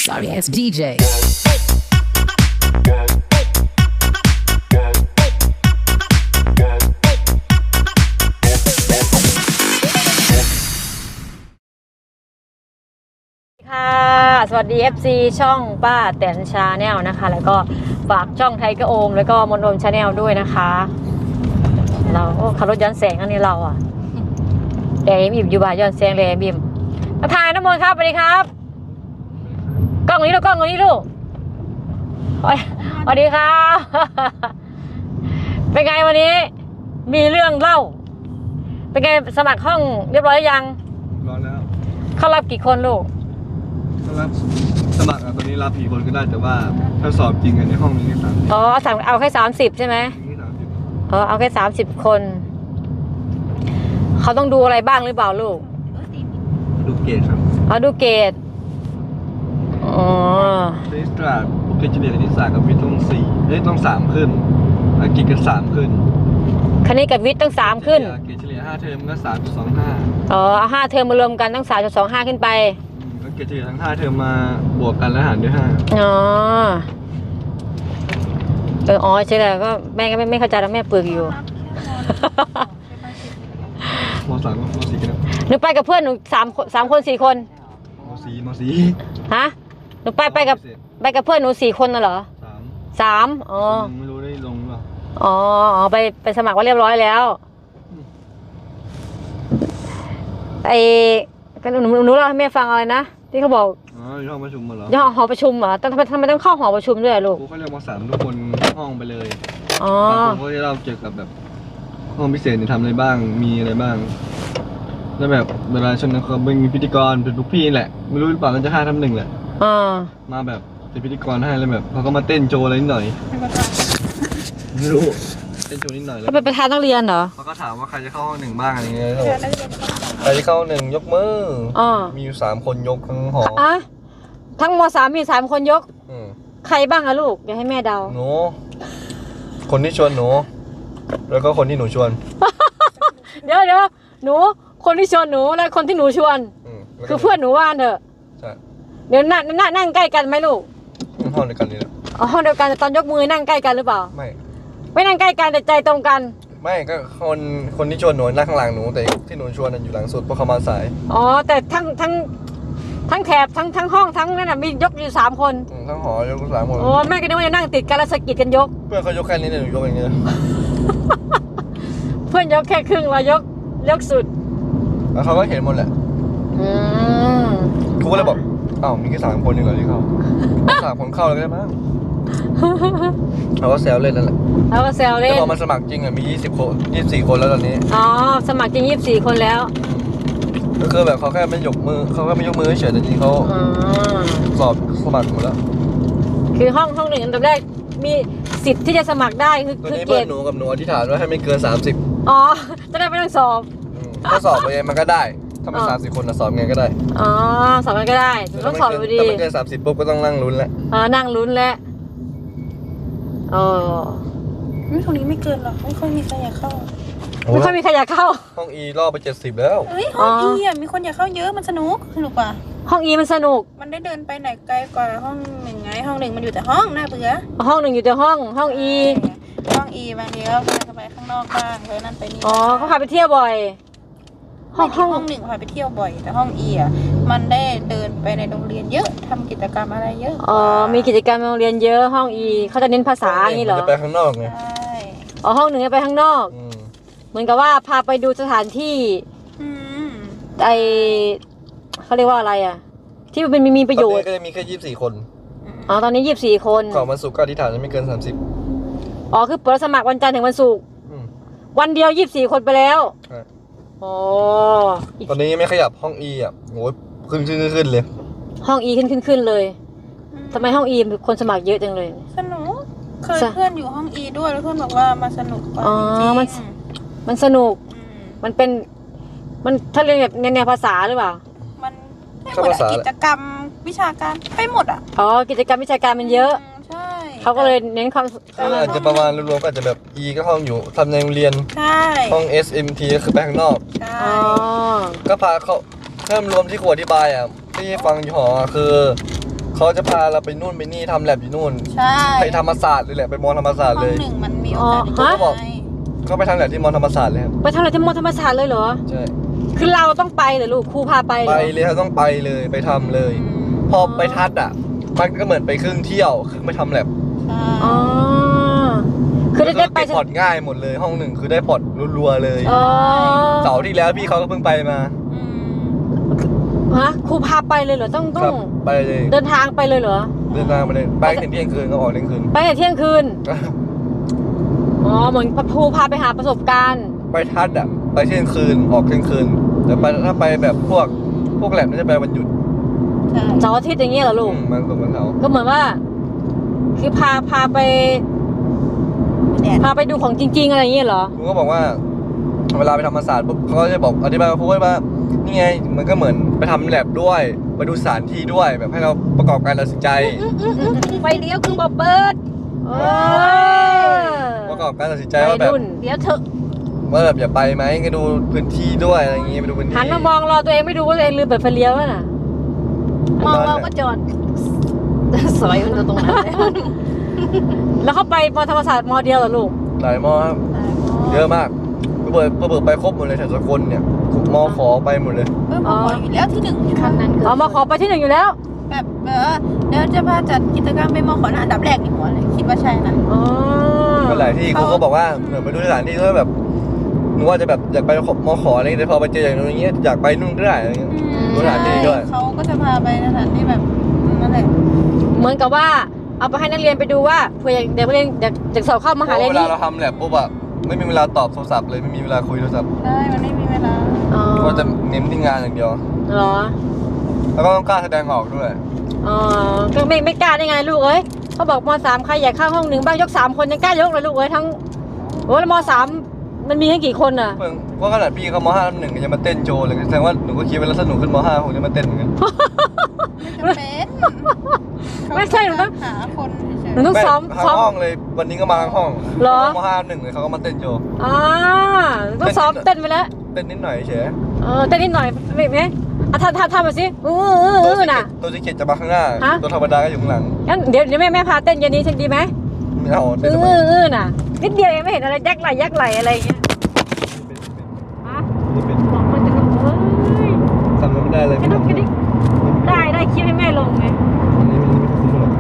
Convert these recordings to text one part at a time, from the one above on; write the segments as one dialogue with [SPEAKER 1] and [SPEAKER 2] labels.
[SPEAKER 1] Sorry ass DJ.
[SPEAKER 2] ค่ะสวัสดี FC ช่องป้าแตนชาแนลนะคะแล้วก็ฝากช่องไทเกอร์โอมแล้วก็มนโอมชาแนลด้วยนะคะเราขับรถย้อนแสงอันนี้เราอะแดงบิ่มอยู่บ่ายย้อนแสงแดงบิ่มมาถ่ายน้ำมนต์ครับสวัสดีครับกล้องนี้ลูกกล้องนี้ลูกสวัสดีครับเป็นไงวันนี้มีเรื่องเล่าเป็นไงสมัครห้องเรียบร้อยยัง
[SPEAKER 3] ร้อนแล้ว
[SPEAKER 2] เขารับกี่คนลูก
[SPEAKER 3] รับสมัครตอนนี้รับกี่คนก็ได้แต่ว่าถ้าสอบจริงในห้องนี้นี่30
[SPEAKER 2] อ๋อเอาแค่30ใช่ไหม
[SPEAKER 3] นี่30
[SPEAKER 2] เอาแค่30คนเขาต้องดูอะไรบ้างหรือเปล่าลูก
[SPEAKER 3] ดูเกรดครับ
[SPEAKER 2] ดูเกรดอ๋อ
[SPEAKER 3] คณิตศาสตร์เกรดเฉลี่ยคณิตศาสตร์กับวิทย์ต้อง3ขึ้นอังกฤษกัน3ขึ้น
[SPEAKER 2] คณิตกับวิทย์ต้อง3ขึ้น
[SPEAKER 3] เกรดเฉลี่ย5เทอมก็3.25
[SPEAKER 2] อ๋อเอา5เทอมมารวมกันต้อง3.25ขึ้นไป
[SPEAKER 3] แล้วเกรดเฉลี่ยทั้ง5เทอมมาบวกกันแล้วหารด้วย5
[SPEAKER 2] อ๋อใช่แล้วก็แม่ก็ไม่เข้าใจแล้วแม่ปึกอยู่
[SPEAKER 3] ม.3 กับม.4กันแล้ว
[SPEAKER 2] หนูไปกับเพื่อนหนู3คน4คน
[SPEAKER 3] ม.4
[SPEAKER 2] ฮะหนูไปกับเพื่อนหนู4คนน่ะเหรอ3อ๋อ
[SPEAKER 3] ไม่รู้ได้ลงหรือเปล่า
[SPEAKER 2] อ๋อไปสมัครว่าเรียบร้อยแล้วก็หนูเล่าให้แม่ฟังอะไรนะที่เขาบอก
[SPEAKER 3] อยู่ห้องประชุมเหรอ
[SPEAKER 2] หอประชุมเหรอทำไมต้องเข้าหอประชุมด้วยลูก
[SPEAKER 3] เขาเรียกม.3ทุกคนห้องไปเลย
[SPEAKER 2] อ๋อบ
[SPEAKER 3] างคนเขาจะเล่าเกี่ยวกับแบบห้องพิเศษเนี่ยทำอะไรบ้างมีอะไรบ้างแล้วแบบเวลาชนเขาเป็นพิธีกรเป็นพวกพี่แหละไม่รู้หรือเปล่าน่าจะ5-1แหละมาแบบเป็นพิธีกรให้แล้วแบบเขาก็มาเต้นโชว์อะไรนิดหน่อยไม่รู้เต้นโชว์นิดหน่อยแล้ว
[SPEAKER 2] เป็นประธานนักเรียนเหรอ
[SPEAKER 3] เขาก็ถามว่าใครจะเข้าห้อง1บ้างอะไรเงี้ยใครจะเข้า1ยกมือมีอยู่3คนยกทั้งหอ
[SPEAKER 2] ทั้งม.3 มี3คนยกใครบ้างอะลูกเดี๋ยวให้แม่เดา
[SPEAKER 3] หนูคนที่ชวนหนูแล้วก็คนที่หนูชวน
[SPEAKER 2] เดี๋ยวหนูคนที่ชวนหนูและคนที่หนูชวนคือเพื่อนหนูว่านเถอะ
[SPEAKER 3] ใช่
[SPEAKER 2] เดี๋ยวนั่งใกล้กันไหมลูก
[SPEAKER 3] ห้องเดียวกันนี่แหละ
[SPEAKER 2] ห้องเดียวกันแต่ตอนยกมือนั่งใกล้กันหรือเปล่าไม่นั่งใกล้กันแต่ใจตรงกัน
[SPEAKER 3] ไม่ก็คนที่ชวนหนูนั่งข้างหลังหนูแต่ที่หนูชวนอยู่หลังสุดเพราะเขามาสาย
[SPEAKER 2] แต่ทั้งแถบทั้งห้องทั้งนั่นน่ะมียกอยู่3คน
[SPEAKER 3] ทั้งหอยก3คน
[SPEAKER 2] แม่ก็นึกว่าจะนั่งติดกันแล้วสะกิดกันยก
[SPEAKER 3] เพื่อนเขายกแค่นี้เนี่ยหนูยกอย่างเงี้ย
[SPEAKER 2] เพื่อนยกแค่ครึ่งเรายกสุด
[SPEAKER 3] แล้วเขาก็เห็นหมดแหละครูก็เลยบอกมีแค่3คนเองเหรอที่เข้า3คนเข้าเลยได้มั้งเขาก็แซวเล่นนั่นแหละ
[SPEAKER 2] เขาก็แซวเล่น
[SPEAKER 3] แต่พอมาสมัครจริงมี24คนแล้วตอนนี้
[SPEAKER 2] สมัครจริง24คนแล้ว
[SPEAKER 3] ก็คือแบบเขาแค่ไม่ยกมือเฉยแต่จริงเขาสอบสมัครหมดแล้ว
[SPEAKER 2] คือห้องหนึ่งอันดับแรกมีสิทธิ์ที่จะสมัครได้คือ
[SPEAKER 3] เกณฑ์หนูกับหนูอธิษฐานว่าให้ไม่เกิน30
[SPEAKER 2] จะได้ไม่ต้องสอบ
[SPEAKER 3] ถ้าสอบไปมันก็ได้ถ้าเป็น30คนสอบไงก็ได้
[SPEAKER 2] สอบไงก็ได้ต้องสอบอยู่ดี
[SPEAKER 3] ถ้าไม่เกิน30ปุ๊บก็ต้องนั่งลุ้นแล้ว
[SPEAKER 2] นั่งลุ้นแล้ว
[SPEAKER 4] ตรงนี้ไม่เกินหรอกไม่ค่อยมีใครอยากเข้า
[SPEAKER 2] ไม่ค่อยมีใครอยากเข้า
[SPEAKER 3] ห้อง E รอบไป70แล้ว
[SPEAKER 4] ห้อง E มีคนอยากเข้าเยอะมันสนุกกว่า
[SPEAKER 2] ห้อง E มันสนุก
[SPEAKER 4] มันได้เดินไปไหนไกลกว่าห้อง1ไงห้อง1มันอยู่แต่ห้องน่าเบื่อ
[SPEAKER 2] ห้อง1อยู่แต่ห้อง E
[SPEAKER 4] ห้อง E บางทีก็พาไปข้างนอกบ้างไปนั่นไปนี่
[SPEAKER 2] เขาพาไปเที่ยวบ่อย
[SPEAKER 4] ห้อง1พาไปเที่ยวบ่อยแต่ห้อง E มันได้เดินไปในโรงเรียนเยอะทำกิจกรรมอะไรเยอะ
[SPEAKER 2] มีกิจกรรมโรงเรียนเยอะห้อง E เขาจะเน้นภาษาอย่างนี้เหรอ
[SPEAKER 3] จะไปข้างนอกไง
[SPEAKER 4] ใช่
[SPEAKER 2] ห้อง1จะไปข้างนอกเหมือนกับว่าพาไปดูสถานที่เขาเรียกว่าอะไรที่มันมีประโยชน์
[SPEAKER 3] ก็จะมีแค่24คน
[SPEAKER 2] ตอนนี้24คน
[SPEAKER 3] ก่อนวันศุกร์ก็อธิษฐานจะไม่เกิน30
[SPEAKER 2] คือเปิดสมัครวันจันทร์ถึงวันศุกร์วันเดียว24คนไปแล้ว
[SPEAKER 3] ตอนนี้ไม่ขยับห้อง E โหขึ้นเลย
[SPEAKER 2] ห้อง E ขึ้นเลยทำไมห้อง E คนสมัครเยอะจังเลย
[SPEAKER 4] สนุกเคยเพื่อนอยู่ห้อง E ด้วยแล้วเพื่อนบอกว่ามาสนุกกว่าจริง
[SPEAKER 2] มันสนุกมันถ้าเรียนแบบแนวภาษาหรือเปล่า
[SPEAKER 4] มันกิจกรรมวิชาการไปหมด
[SPEAKER 2] กิจกรรมวิชาการมันเยอะ
[SPEAKER 4] ใช่
[SPEAKER 2] เขาก็เลยเน้นความ
[SPEAKER 3] อาจจะประมาณรวมๆก็อาจจะแบบ E ก็ห้องอยู่ทำในโรงเรียน
[SPEAKER 4] ใช่
[SPEAKER 3] ห้อง SMT ก็คือไปข้างนอก
[SPEAKER 4] ใช่
[SPEAKER 3] ก็พาเขาเพิ่มรวมที่ครูอธิบายที่ฟังอยู่หอคือเขาจะพาเราไปนู่นไปนี่ทำแลบอยู่นู่น
[SPEAKER 4] ใช่
[SPEAKER 3] ไปธรรมศาสตร์เลยแหละไปมอธรรมศาสตร์
[SPEAKER 4] ห้อ
[SPEAKER 3] เล
[SPEAKER 4] ง
[SPEAKER 3] ย
[SPEAKER 4] หนึ่งมันมีโอกาส
[SPEAKER 2] อ๋อ
[SPEAKER 3] เขาบอก ก็ไปทำแลบที่มอธรรมศาสตร์เลยครับ
[SPEAKER 2] ไปทำอะไรที่มอธรรมศาสตร์เลยเหรอ
[SPEAKER 3] ใช่
[SPEAKER 2] คือเราต้องไปเหรอลูกครูพาไปเหร
[SPEAKER 3] ไป
[SPEAKER 2] อ
[SPEAKER 3] เลยครับต้องไปเลยไปทำเลย พอไปทัดอ่ะมันก็เหมือนไปครึ่งเที่ยวครึ่งไปทำแลบ
[SPEAKER 4] ใช่
[SPEAKER 2] อ๋อคือได้ไป
[SPEAKER 3] เก็บพอร์ตง่ายหมดเลยห้องหนึ่งคือได้พอร์ตรัวๆเลย
[SPEAKER 2] อ๋อ
[SPEAKER 3] เสาร์ที่แล้วพี่เขาก็เพิ่งไปมา
[SPEAKER 4] อืม
[SPEAKER 2] ฮะครูพาไปเลยเหรอต้อง
[SPEAKER 3] ครับไปเลย
[SPEAKER 2] เดินทางไปเลยเหรอ
[SPEAKER 3] เดินทางไปเลยไปถึงเที่ยงคืนก็ออกเที่ยงคืน
[SPEAKER 2] ไปแต่เที่ยงคืนอ๋อเหมือนครูพาไปหาประสบการณ์
[SPEAKER 3] ไปทัดอ่ะไปเที่ยงคืนออกเที่ยงคืนแต่ไปถ้าไปแบบพวกแลบน่าจะไปวันหยุด
[SPEAKER 4] ใช่
[SPEAKER 2] เสาร์อาทิตย์อย่างเงี้ยเหรอลูก
[SPEAKER 3] มันตรงกันเขา
[SPEAKER 2] ก็เหมือนว่า คือพาไป
[SPEAKER 4] แดด
[SPEAKER 2] พาไปดูของจริง ๆ อะไรอย่างเงี้ยเหรอ
[SPEAKER 3] ครูก็บอกว่า เวลาไปธรรมศาสตร์ปุ๊บเขาก็จะบอกอธิบายกับครูว่านี่ไงมันก็เหมือนไปทำแลบด้วยไปดูสถานที่ด้วยแบบให้เราประกอบการตัดสินใจ
[SPEAKER 4] ไฟเลี้ยวคือบอกเบิร์ด
[SPEAKER 2] เออ
[SPEAKER 3] ประกอบการตัดสินใจว่าแบบ
[SPEAKER 2] วัยรุ่น
[SPEAKER 4] เดี๋ยวเถอะ
[SPEAKER 3] ว่าแบบอย่าไปไหมก็ดูพื้นที่ด้วยอะไรอย่างงี้ไปดูพื้นที่
[SPEAKER 2] หันมามองรอตัวเองไม่ดูว่าตัวเองลืมเปิดไฟเลี้ยวแล้วน่ะ
[SPEAKER 4] มองเราก็จอดสอยมันจะตรงนั้นเลย
[SPEAKER 2] แล้วเขาไปมอธรรมศาสตร์มอเดียวเหรอลูก
[SPEAKER 3] หลายมอครับเยอะมากเปิดไปครบหมดเลยแถวสกลเนี่ยมอขอไปหมดเลย
[SPEAKER 4] มออยู่แล้วที่หนึ่งคันนั้น
[SPEAKER 2] อ๋อมาขอไปที่หนึ่งอยู่แล้ว
[SPEAKER 4] แบบเดี๋ยวจะพาจัดกิจกรรมไปมอขอนะอันดับแรกในหัวเลยคิดว่าใช่นะ
[SPEAKER 2] อ๋อ
[SPEAKER 3] ไปหลายที่ครูก็บอกว่าเหมือนไปดูสถานที่ก็แบบหนูว่าจะแบบอยากไปมอขออะไรแต่พอไปเจออย่างนู้นอย่างเงี้ยอยากไปนู่นก็ได้อะไรเงี้ย ดูสถานที่ด้วย
[SPEAKER 4] เขาก็จะพาไปสถานที่แบบนั่นแหละ
[SPEAKER 2] เหมือนกับว่าเอาไปให้นักเรียนไปดูว่าเผื่อเด็กนักเรียนอยากสอบเข้ามหาลัย
[SPEAKER 3] เวลา
[SPEAKER 2] นี้
[SPEAKER 3] เราทำแลบปุ๊บอะไม่มีเวลาตอบโทรศัพท์เลยไม่มีเวลาคุยโทรศัพท์
[SPEAKER 4] ใช่มันไม่มีเวลา
[SPEAKER 2] อ๋อ
[SPEAKER 3] ก็จะเน้นที่งานอย่างเดียว
[SPEAKER 2] เหรอ
[SPEAKER 3] แล้วก็ต้องกล้าแสดงออกด้วย
[SPEAKER 2] อ๋อก็ไม่กล้าได้ไงลูกเอ้ยเขาบอกม3ใครอยากเข้าห้องหนึ่งบ้างยก3คนยังกล้ายกเลยลูกเอ้ยทั้งโอ้แล้วม3มันมีให้กี่คนอ่ะ
[SPEAKER 3] เพิ่งว่าขนาดพี่เขาม5 1ยังมาเต้นโชว์เลยแสดงว่าหนูก็คิดไว้แล้วสนุกขึ้นม5คงจะมาเต้นเหมือนกัน
[SPEAKER 4] ไม่จำเป็น
[SPEAKER 2] ไม่ใช่หนูต้อง
[SPEAKER 4] หาคนเฉย
[SPEAKER 2] หนูต้อง
[SPEAKER 3] ไม่
[SPEAKER 2] ซ้อม
[SPEAKER 3] ทั้งห้องเลยวันนี้ก็มาทั้งห้อง
[SPEAKER 2] เหรอ
[SPEAKER 3] ม5 1เลยเขาก็มาเต้นโชว์
[SPEAKER 2] อ่าต้องซ้อมเต้นไปแล้ว
[SPEAKER 3] เต้นนิดหน่อยเฉย
[SPEAKER 2] เต้นนิดหน่อยไม่ไหมอ่ะทำมาสิน่ะ
[SPEAKER 3] ตัวซิกเก็ตจะมาข้างหน้า
[SPEAKER 2] ฮะ
[SPEAKER 3] ตัวธรรมดาก็อยู่ข้างหลัง
[SPEAKER 2] งั้นเดี๋ยวแม่พาเต้นเย็นนี้ฉันดีไหม
[SPEAKER 3] ไม่เอาเต้นทำไม
[SPEAKER 2] น่ะนิดเดียวเองไม่เห็นอะไรยักไหลอะไรอย่างเงี้ยฮะ
[SPEAKER 3] ไม่เป็น
[SPEAKER 2] บอกมันจะลงเฮ้ย
[SPEAKER 3] ทำไม่ได้เลย
[SPEAKER 2] กระดุกกระดิกได้คลิปให้แม่ลงไง
[SPEAKER 3] อันนี้มันไม่คุ้มหรอก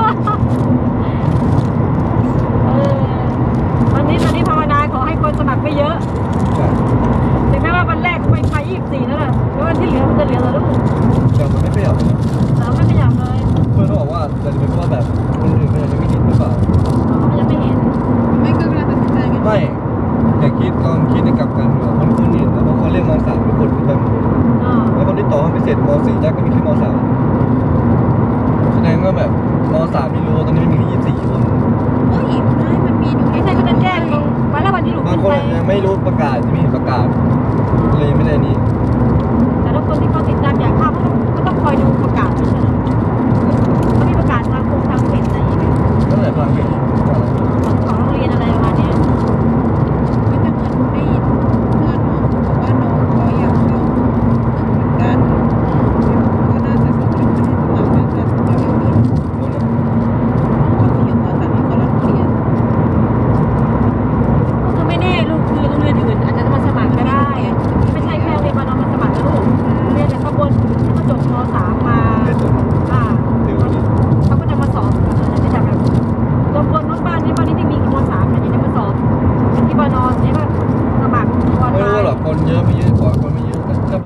[SPEAKER 2] ตอนนี้ภาวนาขอให้คนสมัครไม่เยอะ
[SPEAKER 3] ใช่
[SPEAKER 2] ถึงแม้ว่าวันแรกไป24แล้วแหละแล้ววันที่เหลือมันจะเหลือแล้วลูก
[SPEAKER 3] แต่มันไม่ขยับเลยนะ
[SPEAKER 2] แต่ไม่ขยับเลย
[SPEAKER 3] เพื่อนเขาบอกว่าจะเป็นเพราะแบบคนอื่นมันยังไม่เห็นหรือเปล่า
[SPEAKER 2] มันยังไม่เห็น
[SPEAKER 4] ๆไม่ก็เวลาตัดสินใจกัน
[SPEAKER 3] ไม่แต่คิดในกลับกันว่าคนเห็นแล้วเพราะเขาเรียกม.3ทุกคนขึ้นไปหมดเลย
[SPEAKER 2] อ่า
[SPEAKER 3] แล้วคนที่ต่อให้พิเศษม.4จ้าก็มีแค่ม.3แสดงว่าแบบม.3ไม่รู้ว่าตอนนี้มันมี24คน
[SPEAKER 4] โอ้ยไม่มันมีดู
[SPEAKER 2] ไม่ใช่ก็จะแจ้งลงวันละวันที่หนู
[SPEAKER 3] บาง
[SPEAKER 2] ขึ้น
[SPEAKER 3] คน
[SPEAKER 2] ไป
[SPEAKER 3] ยังไม่รู้ประกาศจะมีประกาศเลยยังไม่ได้นี้
[SPEAKER 2] แต่ถ้าคนที่เขาติดตามอยากเข้าก็ต้องคอยดูประกาศไม่ใช่เหรอเขามีประกาศทางกรมทางเพจอะไรอย่างเงี้ย
[SPEAKER 3] ตั้งแต่ฟังเพลง
[SPEAKER 2] ของโรงเรียนอะไรประมาณเนี้ย
[SPEAKER 4] ไม่แต่เหมือนได้ยินเพื่อนบอกว่าน้องเขาอยากเข้าเหมือนกันก็น่าจะสมัครไม่ได้สมัครน่าจะเร็วๆนี้เขาจะอยู่ม.3ให้เขารับเรียน
[SPEAKER 2] ก็คือไม่แน่ลูกคือโรงเรียนอื่นอาจจะมาสมัครก็ได้ ไม่ใช่แค่โรงเรียนมานอนมาสมัครนะลูกเรียนจากข้างบนที่เขาจบม.3 มา
[SPEAKER 3] เป็นตัว
[SPEAKER 2] อ่า
[SPEAKER 3] ติวนี่
[SPEAKER 2] เขาก็จะมาสอบจะจากแบบจบคนนู้นบ้านนี้ที่มีม.3เนี่ยจะมาสอบที่มานอนเนี่ยก็สมัครออน
[SPEAKER 3] ไม่
[SPEAKER 2] ไล
[SPEAKER 3] รู้
[SPEAKER 2] น์
[SPEAKER 3] หรอกคนเยอะไม่เยอะกว่าคนไม่เยอะก็